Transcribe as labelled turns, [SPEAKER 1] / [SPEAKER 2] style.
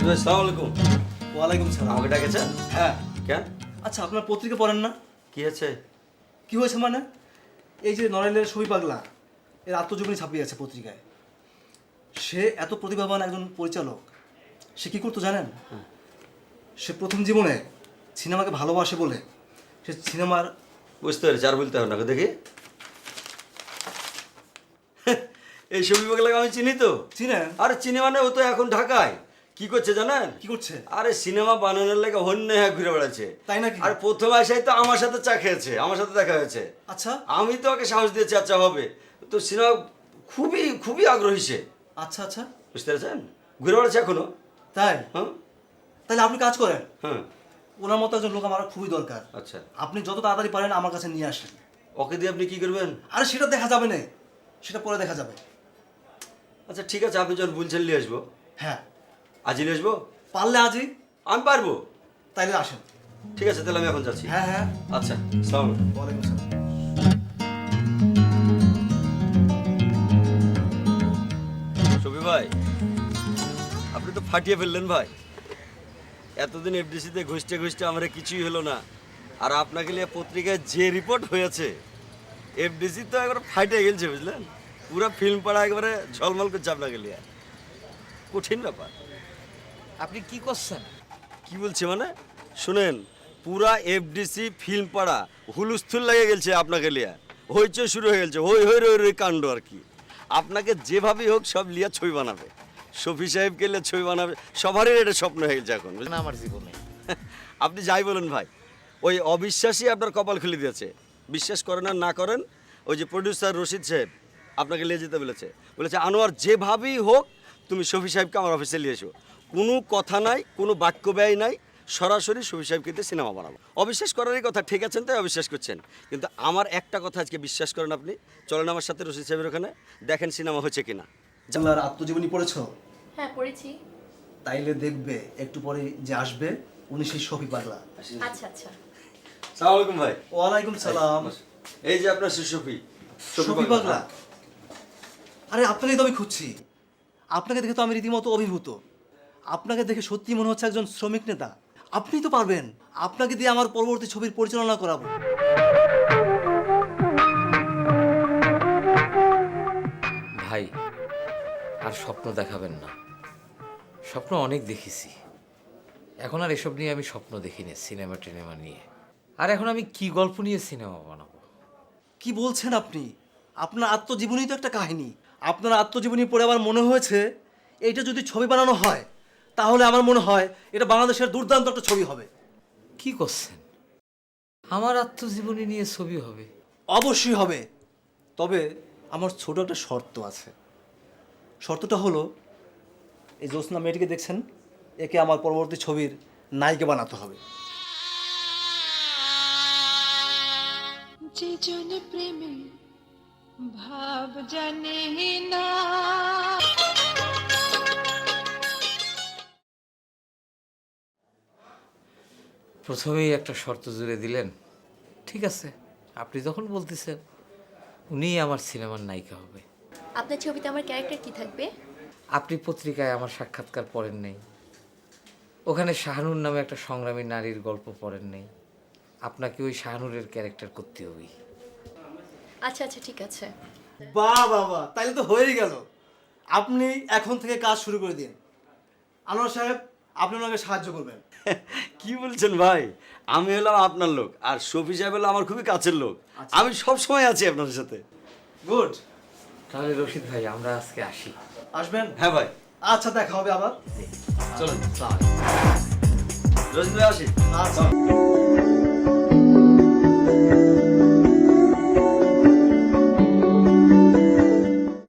[SPEAKER 1] ভাই আসসালামু আলাইকুম।
[SPEAKER 2] ওয়ালাইকুম সালাম।
[SPEAKER 1] আমাকে ডাকেছেন?
[SPEAKER 2] হ্যাঁ।
[SPEAKER 1] কেন?
[SPEAKER 2] আচ্ছা, আপনার পত্রিকা পড়েন না?
[SPEAKER 1] কি আছে?
[SPEAKER 2] কি হয়েছে মানে? এই যে নড়াইলের ছবি পাগলা, এর আত্মজীবনী ছাপিয়েছে পত্রিকায়। সে এত প্রতিভাবান একজন পরিচালক, সে কি করতো জানেন? সে প্রথম জীবনে সিনেমাকে ভালোবাসে বলে সে সিনেমার
[SPEAKER 1] বুঝতে পেরেছি, আর বলতে হবে না, দেখি। এই ছবি পাগলাকে আমি চিনি তো।
[SPEAKER 2] চিনেন?
[SPEAKER 1] আরে চিনি মানে ও তো এখন ঢাকায় কি করছে জানেন?
[SPEAKER 2] কি করছে?
[SPEAKER 1] আরে সিনেমা বানানোর লেগে হন্যে হ্যাঁ ঘুরে বেড়াচ্ছে।
[SPEAKER 2] তাই নাকি?
[SPEAKER 1] আর প্রথম আসাই তো আমার সাথে চা খেয়েছে, আমার সাথে দেখা হয়েছে।
[SPEAKER 2] আচ্ছা
[SPEAKER 1] আমি তো ওকে সাহস দিয়েছি আচ্ছা হবে। তো সিনেমা খুবই খুবই আগ্রহী সে।
[SPEAKER 2] আচ্ছা আচ্ছা,
[SPEAKER 1] বুঝতে পেরেছেন? ঘুরে বেড়াচ্ছে এখনো।
[SPEAKER 2] তাই?
[SPEAKER 1] হ্যাঁ
[SPEAKER 2] তাহলে আপনি কাজ করেন,
[SPEAKER 1] হ্যাঁ।
[SPEAKER 2] ওনার মতো একজন লোক আমার খুবই দরকার।
[SPEAKER 1] আচ্ছা,
[SPEAKER 2] আপনি যত তাড়াতাড়ি পারেন আমার কাছে নিয়ে আসেন।
[SPEAKER 1] ওকে দিয়ে আপনি কি করবেন?
[SPEAKER 2] আরে সেটা দেখা যাবে না, সেটা পরে দেখা যাবে।
[SPEAKER 1] আচ্ছা ঠিক আছে, আপনি যখন বলছেন নিয়ে আসবো।
[SPEAKER 2] হ্যাঁ,
[SPEAKER 1] আজই নিয়ে আসবো?
[SPEAKER 2] পারলে আজই।
[SPEAKER 1] আমি পারবো।
[SPEAKER 2] তাইলে আসেন।
[SPEAKER 1] ঠিক আছে, তাহলে আমি এখন যাচ্ছি।
[SPEAKER 2] হ্যাঁ হ্যাঁ।
[SPEAKER 1] আচ্ছা, সালাম।
[SPEAKER 2] ওয়ালাইকুম আসসালাম।
[SPEAKER 1] শফি ভাই, আপনি তো ফাটিয়ে ফেললেন ভাই। এতদিন এফডিসিতে ঘুষতে ঘুষতে আমার কিছুই হলো না, আর আপনাকে নিয়ে পত্রিকায় যে রিপোর্ট হয়েছে, এফডিসি তো একবার ফাটিয়ে গেছে বুঝলেন। পুরো ফিল্ম পাড়া একবারে ঝলমল করছে আপনাকে নিয়ে। কঠিন ব্যাপার।
[SPEAKER 3] আপনি কি করছেন?
[SPEAKER 1] কি বলছে মানে? শুনেন, পুরা এফডিসি ফিল্ম পাড়া হুলুস্থুল লেগে গেছে আপনাকে লিয়া। হইচই শুরু হয়ে গেছে, হই হই রই রই কাণ্ড আর কি। আপনাকে যেভাবেই হোক সব লিয়া ছবি বানাবে, শফি সাহেবকে লিয়ে ছবি বানাবে, সবারই এটা স্বপ্ন হয়ে গেছে এখন বুঝলেন?
[SPEAKER 3] না, আমার জীবনে
[SPEAKER 1] আপনি যাই বলেন ভাই, ওই অবিশ্বাসই আপনার কপাল খুলে দিয়েছে। বিশ্বাস করেন আর না করেন, ওই যে প্রডিউসার রশিদ সাহেব আপনাকে নিয়ে যেতে বলেছে। বলেছে আনোয়ার যেভাবেই হোক তুমি শফি সাহেবকে আমার অফিসে নিয়ে এসো। কোনো কথা নাই, কোনো বাক্য ব্যয় নাই, সরাসরি শফি সাহেবকে দিয়ে সিনেমা বানাবো। অবিশ্বাস করারই কথা, ঠিক আছেন তাই অবিশ্বাস করছেন, কিন্তু আমার একটা কথা আজকে বিশ্বাস করেন আপনি। চলেন আমার সাথে রশিদ সাহেবের ওখানে, দেখেন সিনেমা হচ্ছে কিনা।
[SPEAKER 2] বাংলার আত্মজীবনী পড়েছো?
[SPEAKER 4] হ্যাঁ পড়েছি।
[SPEAKER 2] তাইলে দেখবে একটু পরে যে আসবে উনি সেই শফি পাগলা।
[SPEAKER 4] আচ্ছা আচ্ছা।
[SPEAKER 1] সালাম আলাইকুম ভাই।
[SPEAKER 2] ওয়ালাইকুম সালাম।
[SPEAKER 1] এই যে আপনার শফি
[SPEAKER 2] শফি পাগলা? আরে আপনাকেই তো আমি খুঁজছি। আপনাকে দেখে তো আমি রীতিমতো অভিভূত। আপনাকে দেখে সত্যি মনে হচ্ছে একজন শ্রমিক নেতা। আপনি তো পারবেন, আপনাকে দিয়ে আমার পরবর্তী ছবির পরিচালনা করাবো।
[SPEAKER 3] ভাই, আর স্বপ্ন দেখাবেন না। স্বপ্ন অনেক দেখেছি, এখন আর এসব নিয়ে আমি স্বপ্ন দেখিনি। সিনেমা টিনেমা নিয়ে আর এখন আমি কি গল্প নিয়ে সিনেমা বানাবো?
[SPEAKER 2] কি বলছেন আপনি? আপনার আত্মজীবনী তো একটা কাহিনী। আপনার আত্মজীবনী পড়ে আমার মনে হয়েছে এইটা যদি ছবি বানানো হয় তাহলে আমার মনে হয় এটা বাংলাদেশের দুর্দান্ত একটা ছবি হবে।
[SPEAKER 3] কি করছেন? আমার আত্মজীবনী নিয়ে ছবি হবে?
[SPEAKER 2] অবশ্যই হবে, তবে আমার ছোট একটা শর্ত আছে। শর্তটা হলো, এই জ্যোৎস্না মেয়েটিকে দেখছেন, একে আমার পরবর্তী ছবির নায়িকা বানাতে হবে।
[SPEAKER 5] যে জন প্রেমে ভাব জানে না।
[SPEAKER 3] প্রথমেই একটা শর্ত জুড়ে দিলেন। ঠিক আছে, আপনি যখন বলতেছেন, উনিই আমার সিনেমার নায়িকা হবে।
[SPEAKER 4] আপনার ছবিতে আমার ক্যারেক্টার কি থাকবে?
[SPEAKER 3] আপনি পত্রিকায় আমার সাক্ষাৎকার পড়েন নেই? ওখানে শাহানুর নামে একটা সংগ্রামী নারীর গল্প পড়েন নেই? আপনাকে ওই শাহানুরের ক্যারেক্টার করতে হবে।
[SPEAKER 4] আচ্ছা আচ্ছা ঠিক আছে।
[SPEAKER 2] বাহ বাবা, তাইলে তো হয়েই গেল। আপনি এখন থেকে কাজ শুরু করে দিন। আনোয়ার সাহেব, আপনি ওনাকে সাহায্য করবেন।
[SPEAKER 1] কি বলছেন ভাই? আমি হলাম আপনার লোক, আর শফি সাহেব হলো আমার খুবই কাছের লোক। আমি সব সময় আছি আপনার সাথে।
[SPEAKER 2] গুড।
[SPEAKER 3] তাহলে রশিদ ভাই, আমরা আজকে আসি।
[SPEAKER 2] আসবেন?
[SPEAKER 1] হ্যাঁ ভাই,
[SPEAKER 2] আচ্ছা, দেখা হবে আবার।
[SPEAKER 1] চলুন।
[SPEAKER 3] আসসালামু আলাইকুম।
[SPEAKER 1] রশিদ ভাই আসি।
[SPEAKER 2] আচ্ছা।